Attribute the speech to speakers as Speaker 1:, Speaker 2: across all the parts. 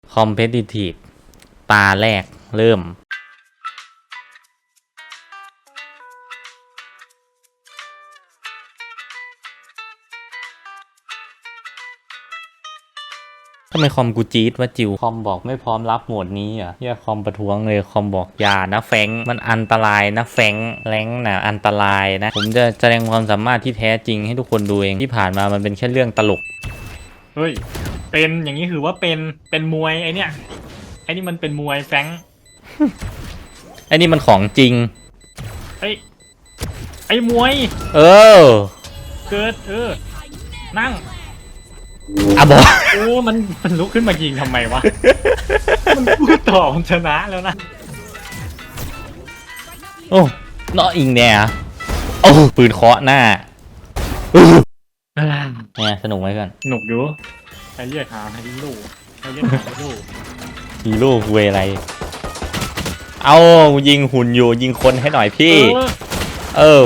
Speaker 1: Competitive ตาแรกเริ่มทำไมคอมกูจี๊ดว่าจิวคอมบอกไม่พร้อมรับโหมดนี้อ่ะเฮียคอมประท้วงเลยคอมบอกอย่านะแฟงมันอันตรายนะแฟงแรงนะอันตรายนะผมจะแสดงความสามารถที่แท้จริงให้ทุกคนดูเองที่ผ่านมามันเป็นแค่เรื่องตลก
Speaker 2: เฮ้ยเป็นอย่างนี้คือว่าเป็นมวยไอเนี้ยไอนี่มันเป็นมวยแฟง
Speaker 1: ไอ้นี่มันของจริง
Speaker 2: ไอมวย
Speaker 1: เออ
Speaker 2: เกิดนั่ง
Speaker 1: อ่ะบอก
Speaker 2: โอ้มันลุกขึ้นมายิงทำไมวะ มันพูดต่อมันชนะแล้วนะ
Speaker 1: โอ้เนาะอิงเนี่ยโอ้ปืนเคาะหน้าเนี่ยสนุกไหมกัน
Speaker 2: หนุกอยู่ไอเรียกหาฮีโร่ไอเรียกหาฮีโร่
Speaker 1: ฮีโร่เวอะไรเอายิงหุ่นอยู่ยิงคนให้หน่อยพี่เออ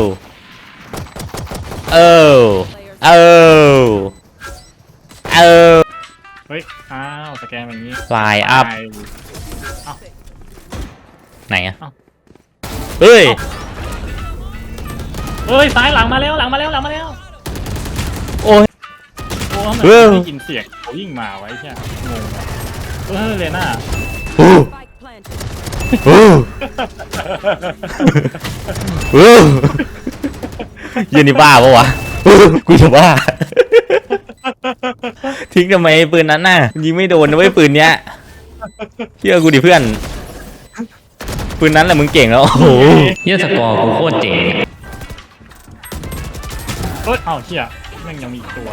Speaker 2: เฮ้ยอ้าวสแกนแบบนี้
Speaker 1: ไลน์อัพไหนอะเฮ้ย
Speaker 2: ซ้ายหลังมาแล้ว
Speaker 1: โอ้ย
Speaker 2: โอ้ทำไมไม่ยินเสียงเขายิ่งมาไว้ใช่งงเลยน่า
Speaker 1: ยืนนี่บ้าปะวะกูจะบ้าทิ้งทำไมปืนนั้นน่ะยิงไม่โดนนะเว้ยปืนเนี้ยเชื่อกูดิเพื่อนปืนนั้นแหละมึงเก่งแล้วโอ้โหเฮียสกอร์กูโคตรเจ๋ง
Speaker 2: เอ้าเชี่ยแม่งยังมีอีกตัว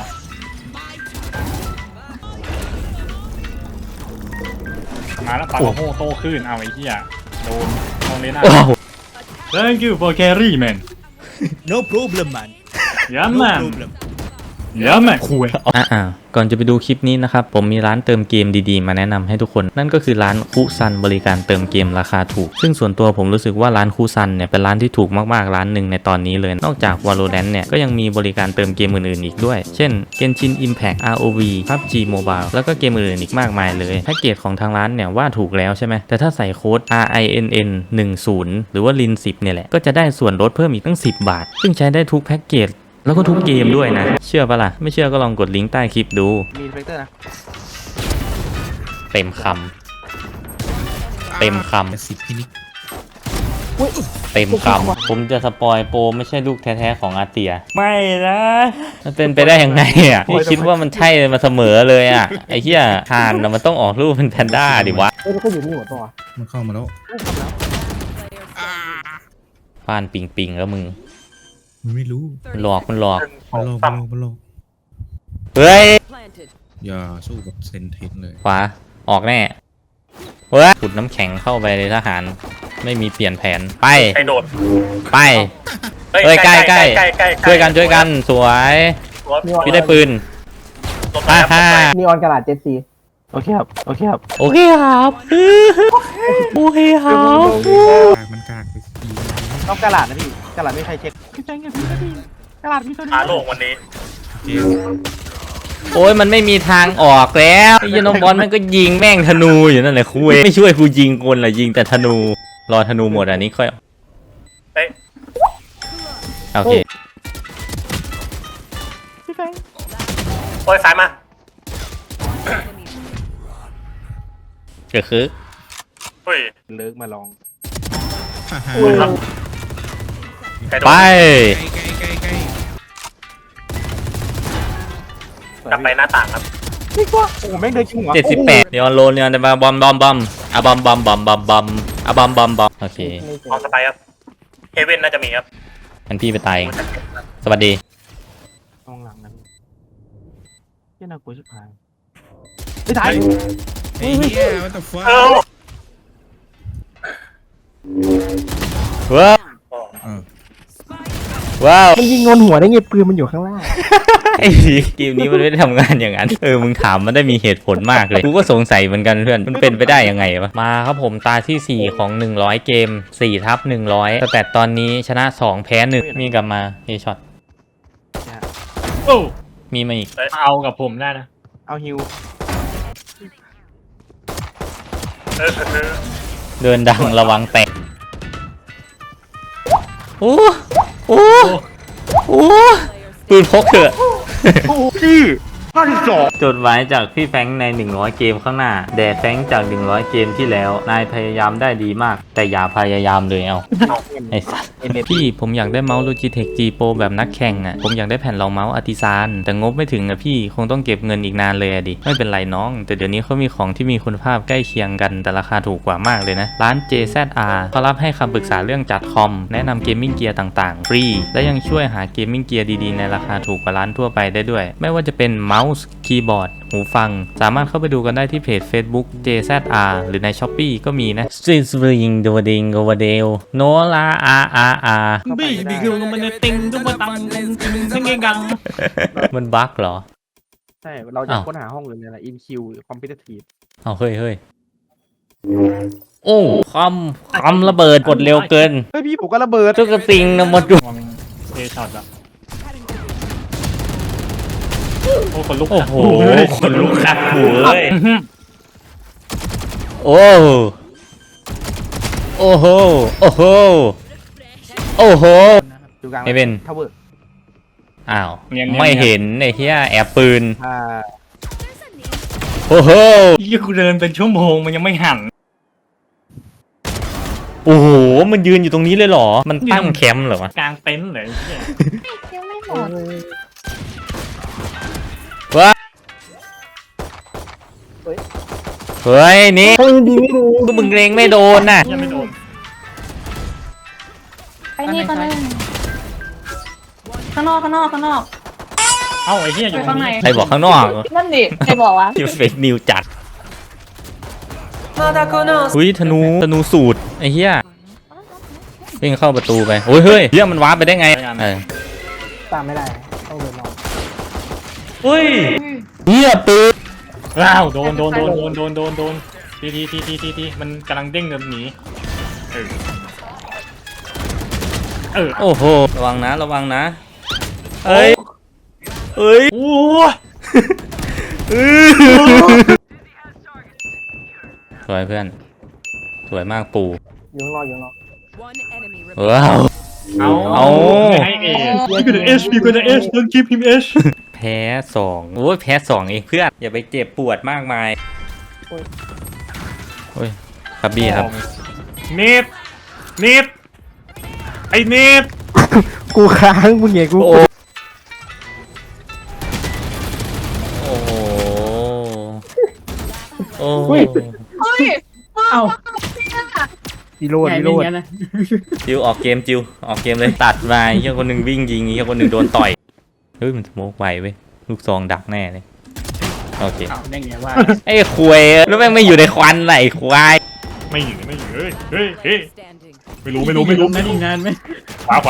Speaker 2: มาแล้วปากโม่โตขึ้นเอาไอ้เหี้ยโดนเลยนะ Thank you for carry man
Speaker 3: No problem man
Speaker 2: Yeah
Speaker 3: No
Speaker 2: man
Speaker 3: problem
Speaker 2: Yeah man คุย
Speaker 1: ก่อนจะไปดูคลิปนี้นะครับผมมีร้านเติมเกมดีๆมาแนะนำให้ทุกคนนั่นก็คือร้านคุซันบริการเติมเกมราคาถูกซึ่งส่วนตัวผมรู้สึกว่าร้านคุซันเนี่ยเป็นร้านที่ถูกมากๆร้านหนึ่งในตอนนี้เลยนอกจาก Valorant เนี่ยก็ยังมีบริการเติมเกมอื่นๆอีกด้วยเช่น Genshin Impact ROV PUBG Mobile แล้วก็เกมอื่นๆอีกมากมายเลยแพ็กเกจของทางร้านเนี่ยว่าถูกแล้วใช่ไหมแต่ถ้าใส่โค้ด RINN 10หรือว่า LIN 10เนี่ยแหละก็จะได้ส่วนลดเพิ่มอีกตั้ง10 บาทซึ่งใช้ได้ทุกแพ็กเกจแล้วก็ทุกเกมด้วยนะเชื่อปะล่ะไม่เชื่อก็ลองกดลิงก์ใต้คลิปดู
Speaker 3: มีเฟกเตอร์นะ
Speaker 1: เต็มคำเต็มคำ
Speaker 3: สิบพินิก
Speaker 1: เต็มคำผมจะสปอยโปรไม่ใช่ลูกแท้ๆของอาเตียไม่นะมันเป็นไปได้ยังไงอ่ะพี่คิดว่ามันใช่มาเสมอเลยอ่ะไอ้เหี้ยฮานมันต้องออกรูปเป็นแพนด้าดิวะ
Speaker 3: ก็อยู่นี่หมดตัวมันเข้ามาแล้ว
Speaker 1: ป้านปิงแล้วมึง
Speaker 3: มันไม่รู้
Speaker 1: มันหลอกมันหลอกเฮ้ย
Speaker 3: อย่าสู้กับเซนเทนเลย
Speaker 1: ขวาออกแน่เฮ้ยขุดน้ำแข็งเข้าไปเลยทหารไม่มีเปลี่ยนแผนไป
Speaker 2: โดด
Speaker 1: ไปเฮ้ยใกล้ช่วยกันสวยพี่ได้ปืน
Speaker 4: นีออนกระดาษ7C
Speaker 1: โอเคครับ
Speaker 4: มันกาก
Speaker 3: ไปสี
Speaker 4: ต้องกระดาษนะพี่กระดาษไม่ใครเช็คพี่แจ้งพี่กระดาษพี่ตัวนี้
Speaker 2: โลกวันนี้
Speaker 1: โอ้ยมันไม่มีทางออกแล้วไอ้ยน้องบอลมันก็ยิงแม่งธนูอยู่นั่นแหละคุยไม่ช่วยกูยิงคนละยิงแต่ธนูรอธนูหมดอันนี้ค่อยโอเค
Speaker 4: พี่แจ้ง
Speaker 2: ซ้ายมา
Speaker 1: ก็คือ
Speaker 4: เลิกมาลอง
Speaker 1: ไป
Speaker 2: กลับไปหน้าต่างครับ
Speaker 4: นี่ก็โอ้แม่งเดินชิงหัว
Speaker 1: 78เดี๋ยวโลนเนี่ยจะมาบอมอะบอมโอเค
Speaker 2: ออกสไปครับเฮเว่นน่าจะมีครับ
Speaker 1: งั้นพี่ไปตายสวัสดี
Speaker 4: มองหลังนะพี่น่ากลัวชิบหายไม่ถ่าย
Speaker 3: เฮ้ย what the fuck
Speaker 1: ว้าว
Speaker 4: มันยิงโดนหัวได้ไงปืนมันอยู่ข้างล่าง
Speaker 1: ไอ้เกมนี้มันไม่ได้ทำงานอย่างนั้นมึงถามมันได้มีเหตุผลมากเลยกูก็สงสัยเหมือนกันเพื่อนมันเป็นไปได้ยังไงวะมาครับผมตาที่4ของ100เกม4/100แต่ตอนนี้ชนะ2แพ้1มีกลับมาเฮช็อตมีมาอีก
Speaker 2: เอากับผมได้นะ
Speaker 4: เอาฮิว
Speaker 1: เดินดังระวังแตกโอ้โอ้โอ้ปืนพกเถอะจดหมายจากพี่แฟรงค์ใน100เกมข้างหน้าแด่แฟรงค์จาก100เกมที่แล้วนายพยายามได้ดีมากแต่อย่าพยายามเลยเอาไอ้สัสพี่ผมอยากได้เมาส์ Logitech G Pro แบบนักแข่งอ่ะผมอยากได้แผ่นรองเมาส์ Artisan แต่งบไม่ถึงอ่ะพี่คงต้องเก็บเงินอีกนานเลยอะดิไม่เป็นไรน้องแต่เดี๋ยวนี้เขามีของที่มีคุณภาพใกล้เคียงกันแต่ราคาถูกกว่ามากเลยนะร้าน JZR เขารับให้คำปรึกษาเรื่องจัดคอมแนะนำเกมมิ่งเกียร์ต่างๆฟรีและยังช่วยหาเกมมิ่งเกียร์ดีๆในราคาถูกกว่าร้านทั่วไปได้ด้วยไม่ว่าจะเป็นเมาส์คีย์บอร์ดหูฟังสามารถเข้าไปดูกันได้ที่เพจ Facebook JZR หรือใน Shopee ก็มีนะซิสริงโดดิงโกวาเดลโนลาอา
Speaker 4: บีบีคือมันติงตุ้มตังติงกัง
Speaker 1: มันบั๊กเหรอ
Speaker 4: ใช่เราจะค้นหาห้องเลยเนี่ยแหละ InQ Competitive
Speaker 1: เอาเฮ้ยโอ้คำระเบิดกดเร็วเกิน
Speaker 4: เฮ้ยพี่ผมก็ระเบิด
Speaker 1: ทุกสิ่งนะหมดดู
Speaker 2: มองเอช็อตอะโอ้คนลุก
Speaker 1: โอ้โหคนลุกขัดหูเลยโอ้โอ้โหโอ้โหโอ้โห
Speaker 4: อยู่กลาง
Speaker 1: ไม่เป็น
Speaker 4: ทาวเวอร์
Speaker 1: อ้าวไม่เห็นไอ้เหี้ยแอบปืน
Speaker 4: อ่า
Speaker 1: โอ้โห
Speaker 2: ยี่กูเดินเป็นชั่วโมงมันยังไม่หัน
Speaker 1: โอ้โหมันยืนอยู่ตรงนี้เลยเหรอมันตั้งแคมป์เหรอวะ
Speaker 2: กลางเต็นท์เลยไอ้เหี้ย
Speaker 5: ยังไม่หมด
Speaker 1: เฮ้ยนี่ก็มึงเล็งไม่โดนน่ะ
Speaker 2: ยังไม่โดน
Speaker 5: ไปนี่ก็ได้ข้างนอก
Speaker 2: เอ้าไอ้เหี้ยอ
Speaker 5: ไป
Speaker 2: ยู่ตร
Speaker 5: ข้าง งใน
Speaker 2: นี้
Speaker 1: ใครบอกข้างนอก
Speaker 5: นั่นดิใครบอกวะ
Speaker 1: ที่เฟกนิวจัดหุ้ยธนูสูตรไอ้เหี้ยวิ่งเข้าประตูไปโอ้ยเฮ้ยเรื่องมันวาร์ปไปได้ไงเออ
Speaker 4: ตามไม่ได้ต้องเดินรอ
Speaker 1: เฮ้ยเหี้ยปืน
Speaker 2: ว้าวโดนทีมันกำลังเด้งเดินหนีเออ
Speaker 1: โอ้โหระวังนะเฮ้ย
Speaker 2: โอ้
Speaker 1: สวยเพื่อนสวยมากปู่
Speaker 4: อยู่ข้างนอก
Speaker 1: ว้าว เอา
Speaker 2: ไม่ให้เอพี่ก็จะเอชต้องคีบพิมเอช
Speaker 1: แพ้2โอ้ยแพ้2เองเพื่อนอย่าไปเจ็บปวดมากมายโอ้ยครับบี้ครับ
Speaker 2: เนตไอเนต
Speaker 4: กูค้างมึงเหี้ยกู
Speaker 1: โอ้โหโอ้โห
Speaker 5: เฮ้ย
Speaker 4: เอ้าดีโรด
Speaker 1: จิวออกเกมเลยตัดมาเฮียคนหนึ่งวิ่งยิงเฮียคนหนึ่งโดนต่อยเฮ้ยมันสโมกไวเว้ยลูกซองดักแน่เลยโอเค
Speaker 4: ได้ไงว่า
Speaker 1: ไอ้ควยแล้วแม่งไม่อยู่ในควันไหนควาย
Speaker 2: ไม่อยู่เฮ้ยไม่รู้
Speaker 4: นั่นอีกนานไหม
Speaker 2: ขวา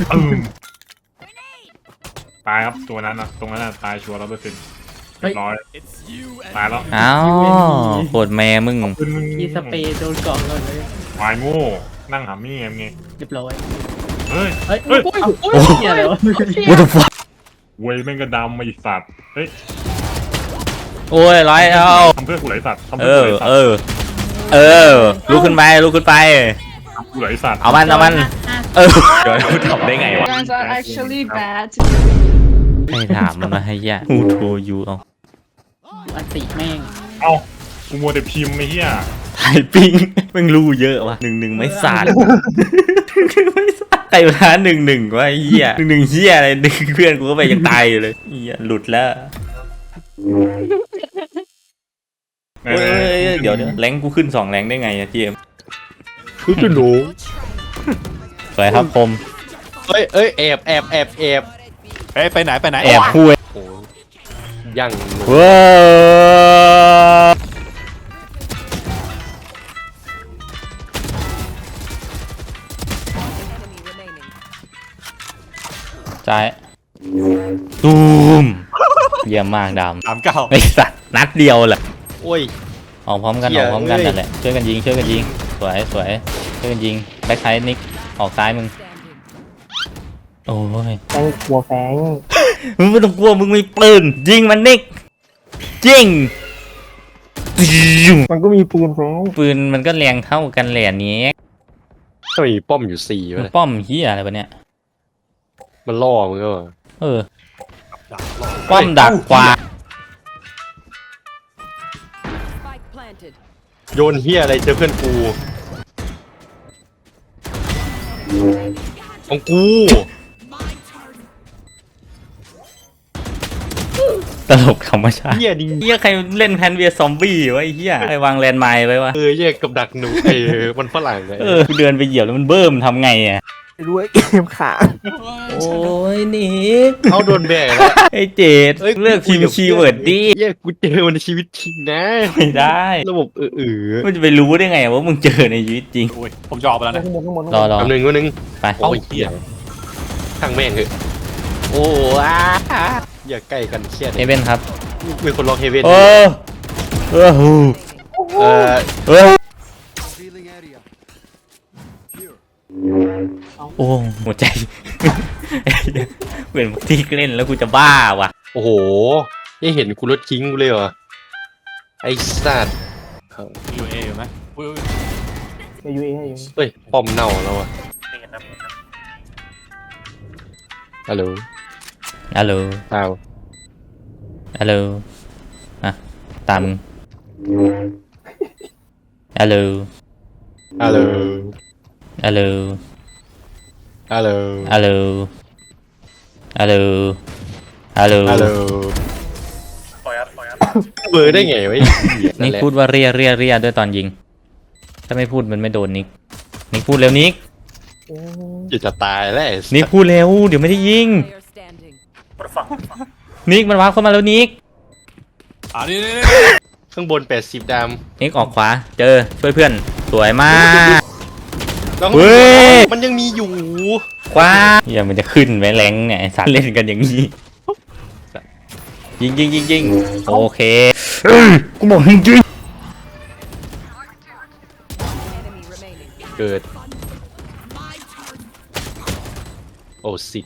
Speaker 2: ตายครับตัวนั้นนะตรงนั้นตายชัวร์100%ร้อยตายแล้ว
Speaker 1: อ้าวโคตรแม่มึง
Speaker 4: มีสเปรย์โดนเกาะเลย
Speaker 2: วายโง่นั่งหามี่ไง
Speaker 4: เรียบร้อย
Speaker 2: เฮ้ย
Speaker 4: เฮ้ย
Speaker 1: โอ้โห
Speaker 4: เหี้ยอะไรวะ
Speaker 1: what the fuck
Speaker 2: เว้ยแม่งก็ดำมาอีกสัตว์เฮ้ย
Speaker 1: โอ้ยร้อยเอา
Speaker 2: ทำเพื่อกูไหลสัตว์ทำ
Speaker 1: เอ
Speaker 2: เพื่อ
Speaker 1: อ
Speaker 2: กูไหลสัต
Speaker 1: เอ
Speaker 2: ว์
Speaker 1: อลุกขึ้นไป
Speaker 2: กูไหลสัตว์
Speaker 1: เอามันเออเดี๋ยวทำได้ไงวะ
Speaker 5: Guys are actually bad
Speaker 1: ให้ถามมันมาให้ยะ Who told you เอา
Speaker 4: อันติแม่ง
Speaker 2: เอ้ากูมัวแต่พิมพ์ไอ้เหี้ย
Speaker 1: ถ่ายปิ้งมึงรู้เยอะวะ1-1ไม่สาดไม่สาดใครมา1-1วะไอ้เหี้ย1-1เหี้ยอะไรดึงเพื่อนกูก็ไปยังตายอยู่เลยเหี้ยหลุดแล้วเฮ้ยเดี๋ยวแรงกูขึ้น2แรงได้ไงอะทีเอ็ม
Speaker 6: คือจะหนู
Speaker 1: สวยครับคม
Speaker 6: เอ้ยแอบไปไหน
Speaker 1: แอบคุย
Speaker 6: โอ้ยังหนู
Speaker 1: ว้าวใจตูมเยี่ยมมากดำ
Speaker 6: 39
Speaker 1: ไอ้สัตว์นัดเดียวแหละ
Speaker 6: โอ้ย
Speaker 1: ออกพร้อมกัน
Speaker 6: เหี้
Speaker 1: อย อกพร้อมกัน
Speaker 6: เอ้ย
Speaker 1: นั่นแหละช่วยกันยิงสวยช่วยกันยิงแบ็คไซด์นิกออกซ้ายมึงโอ้ย
Speaker 4: แฟงกลัวแฟง
Speaker 1: มึงไม่ต้องกลัวมึงมีปืนยิงมันนิกยิง
Speaker 4: มันก็มีปืนของ
Speaker 1: ปืนมันก็แรงเท่ากันแหละเนี้ย
Speaker 6: ทำไมมีป้อมอยู่สี่วะเนี่ย
Speaker 1: ป้อมเฮียอะไรวะเนี่ย
Speaker 6: มันล่อมึงก็วะ
Speaker 1: เออป้อมดักกว่า
Speaker 7: Spike planted.
Speaker 6: โยนเฮียอะไรเจอเพื่อนกูของกู
Speaker 1: ตลกธรรมชาติ
Speaker 6: เฮียดิ
Speaker 1: เฮียใครเล่นแพนเวียซอมบี้วะไอ้เฮียใครวางแลนด์ไมน์ไว้วะ
Speaker 6: แยกกับดักหนูมันฝรั่งเลย
Speaker 1: กูเดินไปเหยียบแล้วมันเบิ่มทำไงอ่ะ
Speaker 4: ไม่รู้ไอ้เกมขา
Speaker 1: โอ้ยนิก
Speaker 6: เขาโดนแบกแล้ว
Speaker 1: ไอ้เจดเลือกพิมพ์คีย์เวิร์ดดิ
Speaker 6: เฮียกูเจอมันในชีวิตจริงนะ
Speaker 1: ไม่ได้
Speaker 6: ระบบ
Speaker 1: มันจะไปรู้ได้ไงว่ามึงเจอในชีวิตจริง
Speaker 2: โอ้ยผมจะออกไปแล้วนะ
Speaker 4: ข้างบนข้างบน
Speaker 1: รอ
Speaker 6: แป๊บนึงวันนึง
Speaker 1: ไป
Speaker 6: โอ้ยเฮียช่างแม่งเถอะโอ้อย่าใกล้กันเครียด
Speaker 1: เฮเว่นครับ
Speaker 6: มีคนล็อกเฮเว่น
Speaker 1: โอ้เออ
Speaker 6: เออ
Speaker 1: เออโอ้หัวใจ เหมือนที่เล่นแล้วกูจะบ้าว่ะ
Speaker 6: โอ้โหนี่เห็นกูรถทิ้งกูเลยเหรอไอ้สัตว์
Speaker 2: อยู่เออยู่ไหมอุ้ย
Speaker 4: ไปยูเอให้อยู่
Speaker 6: เฮ้ยป้อมเน่าแล้วอะฮัลโหล
Speaker 1: ฮัลโหล
Speaker 6: อ้าว
Speaker 1: ฮัลโหลอ่ะตามมึงฮัลโหล
Speaker 6: ฮัลโหล
Speaker 1: ฮัลโหล
Speaker 6: ฮัลโหล
Speaker 1: ฮัลโหลฮัลโหลฮัลโหล
Speaker 6: ฮัลโหลเบอร์ได้ไงวะไอ้เหี้ย
Speaker 1: นิกพูดว่าเรียด้วยตอนยิง ถ้าไม่พูดมันไม่โดนนิกพูดเร็วนิก
Speaker 6: จะตายแล้วไอ้สัส
Speaker 1: นิกพูดเร็วเดี๋ยวไม่ได้ยิง
Speaker 7: Player standing.
Speaker 1: นิกมันวาร์ปเข้ามาแล้วนิก
Speaker 2: นี่
Speaker 6: ข้างบน80ด
Speaker 1: นิกออกขวาเจอช่วยเพื่อนสวยมาก
Speaker 6: ำแล้ว
Speaker 1: เฮ้ย
Speaker 6: มันยังมีอยู่
Speaker 1: ขวาเฮียมันจะขึ้นไหมแรงเนี่ยไอ้สัตว์เล่นกันอย่างนี้ยิงโอเคกูบอกจริง
Speaker 7: Enemy remaining.
Speaker 6: เกิดโอ้สิ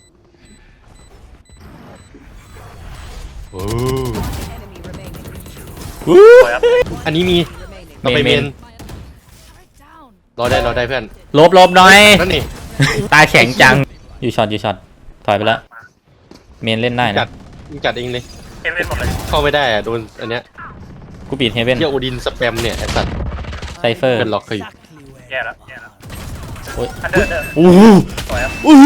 Speaker 6: โอ้
Speaker 7: Enemy remaining.
Speaker 6: อันนี้มี
Speaker 7: Remaining.
Speaker 6: เราไปเมนรอได้เพื่อน
Speaker 1: ลบหน่อย
Speaker 6: นั่นนี่
Speaker 1: ตาแข็งจังอยู่ช็อตถอยไปแล้วเมนเล่นได้
Speaker 6: จั
Speaker 1: นะ
Speaker 6: ดมึงจัดเองเลยเข้าไม่ได้อะโดนอันเนี้ย
Speaker 1: กูปิดเฮเว่น
Speaker 6: เที่ยวโอดินสแปมเนี่ยไอ้สัตว์
Speaker 1: ไซเฟอร์
Speaker 6: เป็นล็อกเขาอยู่
Speaker 1: โอ้ยโอ้โหโอ้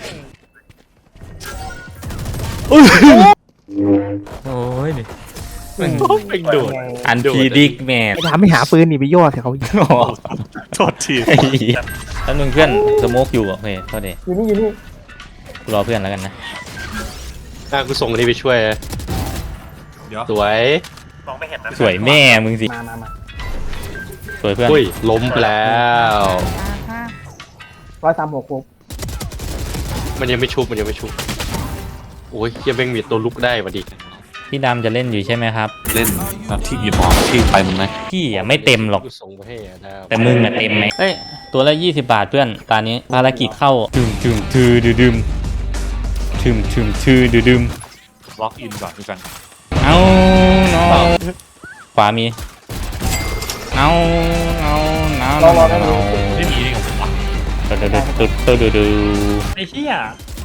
Speaker 1: ยดิ
Speaker 6: เป็นโดด
Speaker 1: อันพีดิกแมน
Speaker 4: ไปถามไม่หาปืนนี่ไปย่อใส่เขาอีก
Speaker 2: โทษที
Speaker 1: แล้วนึงเพื่อนสโมกอยู่โอเคเท่าเด
Speaker 4: อยู่นี่
Speaker 1: กูรอเพื่อนแล้วกันนะ
Speaker 6: กูส่งอันนี้ไปช่วย
Speaker 2: เดี๋ยว
Speaker 6: สวย
Speaker 1: สวยแม่มึงสิ
Speaker 4: มา
Speaker 1: สวยเพื่อน
Speaker 6: อุ้ยล้มไปแล้ว
Speaker 4: 136ปุ๊บ
Speaker 6: มันยังไม่ชุบโอ้ยเฮียแม่งมีตัวลุกได้วะดิ
Speaker 1: พี่ดำจะเล่นอยู่ใช่ไหมครับ
Speaker 8: เล่นที่อีพอที่ไปมึงไหม
Speaker 1: พี่อ่ะไม่เต็มหรอก
Speaker 6: กูส่งไปให้อะดาว
Speaker 1: แต่มึงอ่ะเต็มไหมเอ้ยตัวละ20 บาทเพื่อนตอนนี้ภารกิจเข้าถึมทือดืมถึมทือดืม
Speaker 2: ล็อกอินก่อนด้วยกัน
Speaker 1: เอาขวามีเอา
Speaker 2: ไม่มีนี่ของผมวะ
Speaker 1: ดู
Speaker 2: ไอ้เหี้ย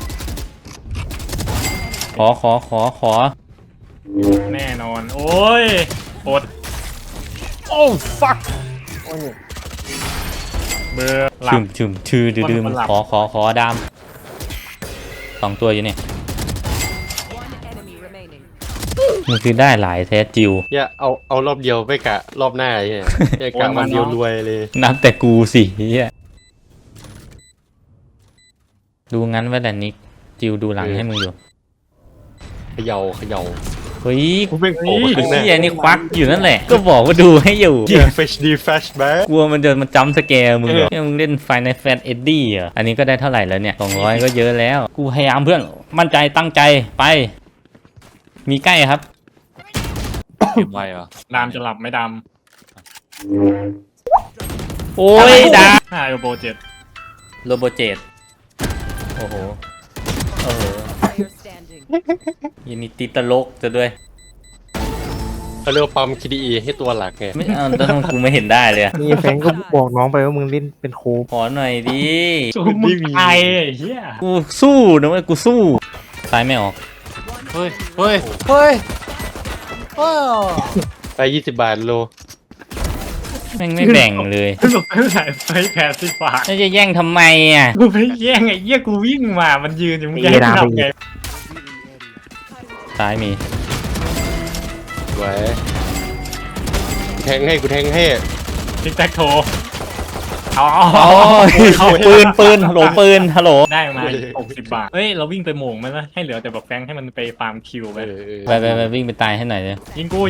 Speaker 1: ขอ
Speaker 2: แน่นอนโอ้ยอดโอ้ fuck
Speaker 4: โอ้ย
Speaker 2: เบอร์หลับ
Speaker 1: ถึมทือดืม
Speaker 2: มันหลับ
Speaker 1: ขอดาม2 ตัวอยู่เนี่ย
Speaker 7: One enemy remaining.
Speaker 1: มันคือได้หลายแท้จิว
Speaker 6: อย่าเอารอบเดียวไม่กะรอบหน้าไอ้เนี่ยอย่ากะวันเดียวรวยเลย
Speaker 1: นับแต่กูสิเฮียดูงั้นไว้แหละนิกจิวดูหลังให้มึงอยู่
Speaker 6: เขย่า
Speaker 1: เฮ้ย
Speaker 6: กูแม่งโผล่มาข้างหน้า
Speaker 1: เฮียนี่ควักอยู่นั่นแหละ ก็บอกว่าดูให้อยู่
Speaker 6: เฮีย Flash D Flash Back
Speaker 1: กลัวมันจะมาจำสแกร์มึงเหรอเนี่ยมึงเล่นไฟในแฟนเอ็ดดี้เหรออันนี้ก็ได้เท่าไหร่แล้วเนี่ย200ก็เยอะแล้ว กูพยายามเพื่อนมั่นใจตั้งใจไป มีใกล้ครับ
Speaker 8: เกมไวเหรอ
Speaker 2: ดามจะหลับไม่ด
Speaker 1: โอ้ยดา
Speaker 2: ำ5 Elbow 7
Speaker 1: โรโบเจตโอ้โห
Speaker 7: Player standing.
Speaker 1: ยินดีติดตลกจะด้วย
Speaker 6: เขาเรียกว่าปั๊ม KDE ให้ตัวหลักไง
Speaker 1: ไม่เอาแล้วทำไมกูไม่เห็นได้เลยอะ
Speaker 4: นี่แฟงก็บอกน้องไปว่ามึงเล่นเป็นโค้ช
Speaker 1: ขอหน่อยดิ
Speaker 2: สู้มึงตายไอ้เหี้ย
Speaker 1: กูสู้นะเว้ยกูสู้ซ้ายไม่ออก
Speaker 8: เฮ้ย เฮ้ย เฮ้ย
Speaker 6: ไป20 บาทโล
Speaker 1: แม่งไม่แบ่งเลย
Speaker 2: สรุปไม่ได้ไป80 บาท
Speaker 1: แล้วจะแย่งทำไมอ่ะ
Speaker 2: กูไม่แย่งไอ้เหี้ยกูวิ่งมามันยืนอยู่มึงแย่งกูทำไง
Speaker 1: ซ้ายมี
Speaker 6: ไว้แทงให้กูแทงให้
Speaker 2: ทิกแท็กโทเอา
Speaker 1: โอ้ยปืนฮัลโหลปืนฮัลโหล
Speaker 2: ได้มา60 บาทเฮ้ยเราวิ่งไปโหม่งมันนะให้เหลือแต่แบบแฟงให้มันไปฟาร์มคิวไป
Speaker 1: ไปวิ่งไปตายให้หน่อยเลย
Speaker 2: ยิงกู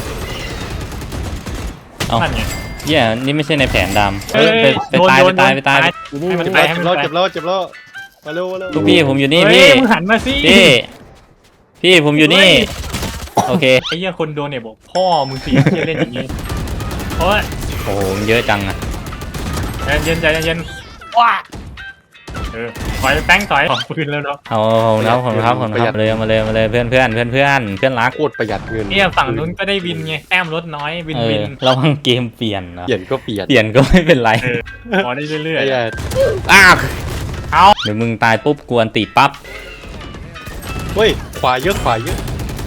Speaker 1: เอ้า
Speaker 2: นั่นไง
Speaker 1: เหี้ยนี่ไม่ใช่ในแผนดำ
Speaker 2: เอ้ย
Speaker 1: ไปตาย
Speaker 2: โด
Speaker 1: ไป
Speaker 2: น
Speaker 1: ตายไปตาย
Speaker 2: ให้มัน
Speaker 6: เจ็บ
Speaker 2: ไป
Speaker 6: แล้ว
Speaker 2: ให้
Speaker 6: เจ็บ
Speaker 2: มัน
Speaker 6: แล้ว
Speaker 2: ไป
Speaker 6: เจ็บแล้วเจ็บแล้วมาเร็วมาเร็ว
Speaker 1: ลูกพี่ผมอยู่นี่
Speaker 2: เฮ้
Speaker 1: พี่
Speaker 2: ยมึงหันมาสิ
Speaker 1: พี่ผมอยู่นี่ โอเค
Speaker 2: ไอ้เหี้ยคนโดนเนี่ยบอกพ่อมึงเสียเหี้ยเล่นอย่างงี้โอ้ย
Speaker 1: โอ้โหมันเยอะจังอะ
Speaker 2: ใจเย็นว้าถอยแป้งถอยขอปืนแล้วเนาะ
Speaker 1: เอาผมครับเลยมาเลยเพื่อนรัก
Speaker 6: โคตรประหยัดเงิน
Speaker 2: เนี่ยฝั่งนู้นก็ได้วินไงแต้มลดน้อยวิน
Speaker 1: ระวังเกมเปลี่ยนนะ
Speaker 6: เปลี่ยนก็เปลี่ยน
Speaker 1: เปลี่ยนก็ไม่เป็นไร
Speaker 2: พอได้เรื่อย
Speaker 6: ไอ้ยา
Speaker 1: อ้าว
Speaker 2: ๆเอา
Speaker 1: เดี๋ยวมึงตายปุ๊บกวนตีปั๊บ
Speaker 6: เฮ้ยขวาเยอะขวาเยอะ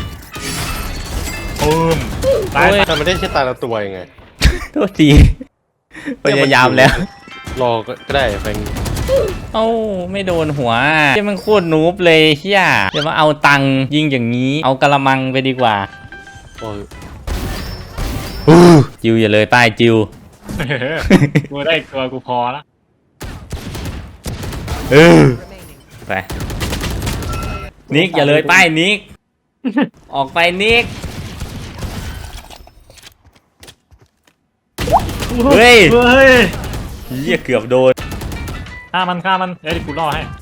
Speaker 2: ปืมตาย
Speaker 6: แต่มันได้แค่ตาละตัวยังไง
Speaker 1: โทษทีพยายามแล้ว
Speaker 6: รอก็ได้แฟง
Speaker 1: เอ้าไม่โดนหัวเฮียมันโคตรนูบเลยเฮียจะมาเอาตังค์ยิงอย่างนี้เอากระมังไปดีกว่า
Speaker 6: โอ้ย
Speaker 1: จิวอย่าเลยป้ายจิว
Speaker 2: กูได้อีกตัวกูพอละ
Speaker 7: remaining.
Speaker 1: ไปนิกอย่าเลยป้ายนิกออกไปนิกเฮ้ย
Speaker 2: เฮ้ย
Speaker 1: เฮียเกือบโดน
Speaker 2: ฆ่ามันเดี๋ยวกูรอให้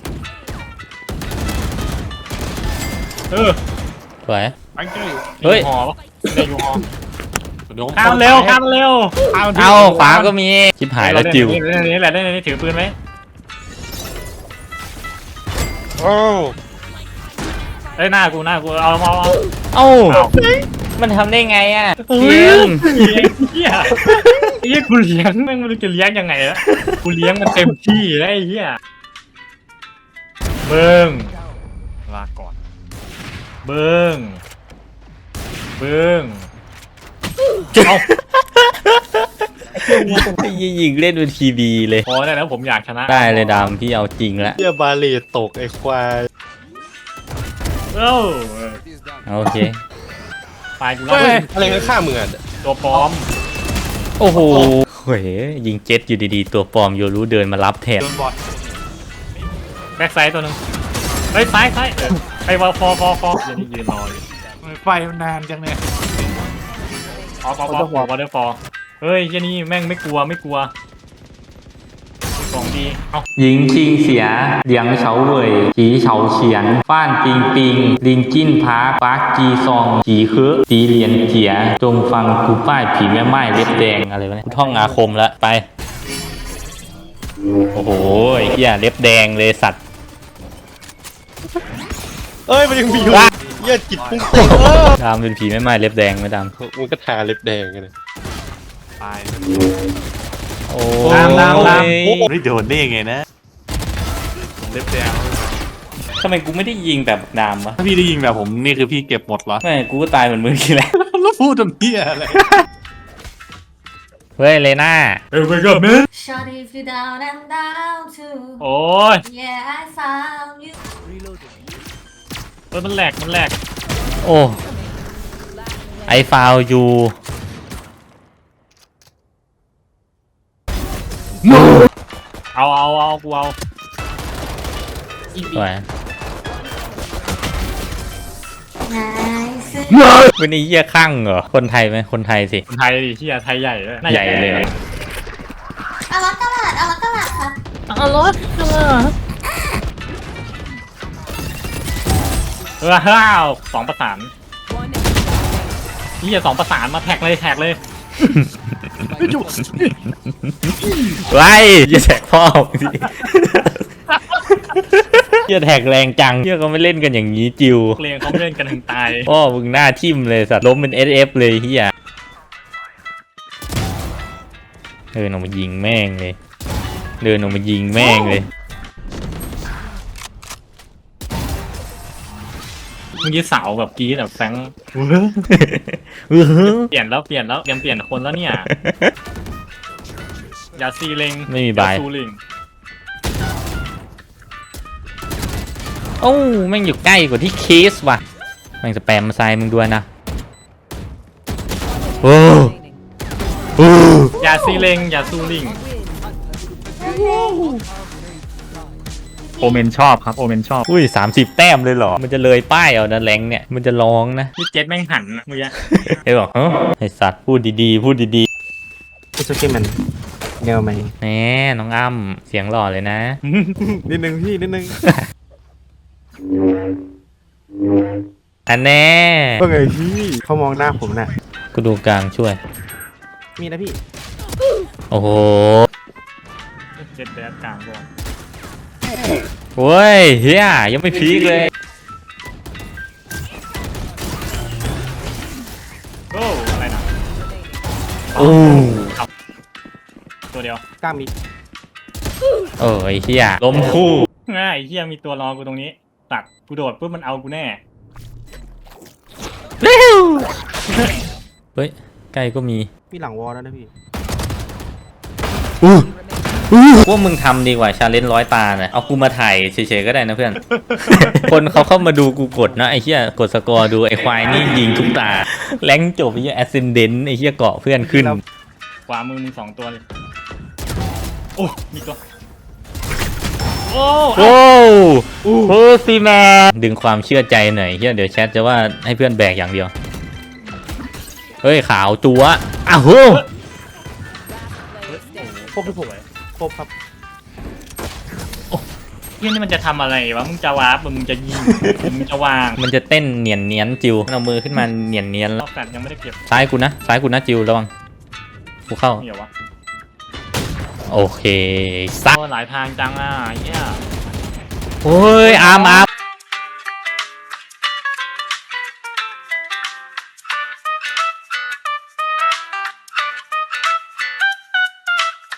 Speaker 1: สวย
Speaker 2: ไปเจ้ย
Speaker 1: เฮ้ย
Speaker 2: หอปะได้อยู่หอ
Speaker 8: เดี๋ยว
Speaker 2: ข้ามเร็ว
Speaker 1: เอาขวาก็มีชิบหายแล้วจิว
Speaker 2: นี่แหละนี่ถือปืนไหม
Speaker 6: โอ้
Speaker 2: เอ้ยหน้ากูเอา
Speaker 1: เอ้า
Speaker 2: เอา
Speaker 1: มันทำได้ไงอ่ะ
Speaker 2: เฮ้
Speaker 1: เก
Speaker 2: ย
Speaker 1: ม
Speaker 2: เหี้ยกูเลี้ยงแม่งไม่รู้จะเลี้ยงยังไงละกูเลี้ยงมันเต็มที่แล้วไอ้เหี้ยเบิ้งลาก่อนเบิ้งเอา
Speaker 1: ยิงเล่นเป็นทีบีเลย
Speaker 2: พอได้แล้วผมอยากชนะ
Speaker 1: ได้เลยดามพี่เอาจริงละ
Speaker 6: เหี้ยบาเลตตกไอ้ควาย
Speaker 2: เอ้า
Speaker 1: โอเค
Speaker 2: ตายกู
Speaker 6: เฮ้
Speaker 2: แล้ว
Speaker 6: ยอะไรกันข้ามึงอ่ะ
Speaker 2: ตัวปลอม
Speaker 1: โอ้โหเฮ้ยยิงเจ็ตอยู่ดีๆตัวปลอมโยรู้เดินมารับแทน
Speaker 2: โดนบอดแบ็กไซด์ตัวหนึงเฮ้ยซ้ายไปวอลฟอยืนรออยู่
Speaker 4: ไฟมันนานจังเนี่ย
Speaker 2: วอเตอร์ฟอร์เฮ้ยเหี้ยนี่แม่งไม่กลัวของดีเอ้า
Speaker 1: หญิงชิงเสียเหลียงเฉาเว่ยจีเฉาเฉียนฟ้านปิงปิงลินจิ้นพาปาร์คจีซองจีเคือจีเหรียญเจียจงฟังกูป้ายผีแม่ไม้เล็บแดงอะไรวะเนี่ยกูท่องอาคมแล้วไปโอ้โหไอ้เหี้ยเล็บแดงเลยสัตว์
Speaker 6: เอ้ยมันยังมีอยู่เหี้ยจิตปุ้งเตะ
Speaker 1: ดามเป็นผีแม่ไม้เล็บแดงไหมดาม
Speaker 6: มึงก็ทาเล็บแดงกันเลย
Speaker 2: ตาย
Speaker 1: โอ้
Speaker 2: ดาม
Speaker 8: ไม่โดนได้ยังไงนะ
Speaker 2: เล็บแดง
Speaker 1: ทำไมกูไม่ได้ยิงแบบดามวะ
Speaker 8: ถ้าพี่ได้ยิงแบบผมนี่คือพี่เก็บหมดเหรอ
Speaker 1: ไม่กูก็ตายเหมือนมึงกี่แหละ
Speaker 8: แล้วพูดทำเพี้ยอะไร
Speaker 1: เฮ้ยเลน่า
Speaker 2: เฮ้ยไปกับมึง
Speaker 5: Shut if you down and down too
Speaker 2: โอ้ย
Speaker 5: Yeah I found you
Speaker 2: เฮ้ยมันแหลก
Speaker 1: โอ้ไอฟาวยู
Speaker 2: เอากูเอา
Speaker 1: สวย
Speaker 5: Nice
Speaker 1: เป็นไอ้เหี้ยข้างเหรอคนไทยไหมคนไทยสิ
Speaker 2: คนไทยดิเหี้ยไทยใหญ่เลย
Speaker 1: ใหญ่เลยเหรอ
Speaker 5: เอาละตลาดครับ
Speaker 2: ว้าว2 ประสาน
Speaker 7: One
Speaker 2: เหี้ย2 ประสานมาแท็กเลย
Speaker 1: ไว้อย่าแสกพ่อมึงสิเฮียแท็กแรงจังเฮียเขาไม่เล่นกันอย่างนี้จิว
Speaker 2: เพลงเขาไม่เล่นกันถึงตาย
Speaker 1: พ่อมึงหน้าทิ่มเลยสัตว์ล้มเป็น SF เลยเฮียเดินออกมายิงแม่งเลยเดินออกมายิงแม่งเลย
Speaker 2: เมื่อกี้เสาแบบกรี๊ดแบบแฟงเปลี่ยนแล้วเตรียมเปลี่ยนคนแล้วเนี่ยอย่าซีเลง
Speaker 1: ไม่มีบาย
Speaker 2: อย่ซูลิง
Speaker 1: โอ้แม่งอยู่ใกล้กว่าที่เคสว่ะแม่งสแปมมาใส่มึงด้วยนะโอ้
Speaker 7: Remaining.
Speaker 2: อย่าซีเลงอย่าซูลิงโอเมนชอบครับโอเมนชอบ
Speaker 1: อุ้ย30 แต้มเลยเหรอมันจะเลยป้ายเอานะแรงเนี่ยมันจะร้องนะ
Speaker 2: พี่เจ็ดแม่งหันเมื่อกี้
Speaker 1: ไอ้บอกเฮ้ยไอสัตว์พูดดีๆพูดดี
Speaker 4: พี่สุกี้มันแนวไหม
Speaker 1: ๆแหน่น้องอ้ำเสียงหล่อเลยนะ
Speaker 6: นิดนึงพี่นิดนึง
Speaker 1: อันแน่
Speaker 4: ว่าไงพี่เขามองหน้าผมน่ะ
Speaker 1: กูดูกลางช่วย
Speaker 4: มีนะพี่
Speaker 1: โอ้โห
Speaker 2: เจ็ดแดดกลางก่อน
Speaker 1: โว้ยเฮียยังไม่พีคเลย
Speaker 2: โอ้อะไรนะ
Speaker 1: โอ้
Speaker 2: ตัวเดียว
Speaker 4: กล้ามมี
Speaker 1: เออไอเฮียล้มคู่
Speaker 2: ง่ายเฮียมีตัวรอกูตรงนี้ตัดกูโดดปุ๊บมันเอากูแน่
Speaker 1: เร็วเฮ้ยใกล้ก็มี
Speaker 4: มีหลังวอลแล้วนะพี่
Speaker 1: พวกมึงทำดีกว่าชาเลนจ์100 ตาเนี่ยเอากูมาถ่ายเฉยๆก็ได้นะเพื่อน คนเขาเข้ามาดูกูกดนะไอ้เหี้ยกดสกอร์ดูไอ้ควายนี่ยิงทุกตาแรงจบไอ้เหี้ยแอสเซนเดนต์ไอ้เหี้ยเกาะเพื่อนขึ้น
Speaker 2: ขวามือมึง2 ตัวเลยโอ้มีตัวโอ้
Speaker 1: โอ้โหซีแมนดึงความเชื่อใจหน่อยเหี้ยเดี๋ยวแชทจะว่าให้เพื่อนแบกอย่างเดียวเฮ้ยขาวจัวอ้าวโห
Speaker 7: Player standing.
Speaker 4: ครบพี่ผมครบครับ
Speaker 2: เฮียนี่มันจะทำอะไรวะมึงจะวาร์ปมึงจะยิงมึงจะวาง
Speaker 1: มันจะเต้นเนียนเนียนๆจิวเอามือขึ้นมาเนียนเนียนๆ
Speaker 2: ร
Speaker 1: แล้ว
Speaker 2: อบแฟนยังไม่ได้เก็บ
Speaker 1: ซ้ายกูนะจิวระวังกูเข้า
Speaker 2: เหี่ยววะ
Speaker 1: โอเคซัก
Speaker 2: โอ้หลายทางจังอ่ะเฮีย
Speaker 1: โอ้ยอาร์ม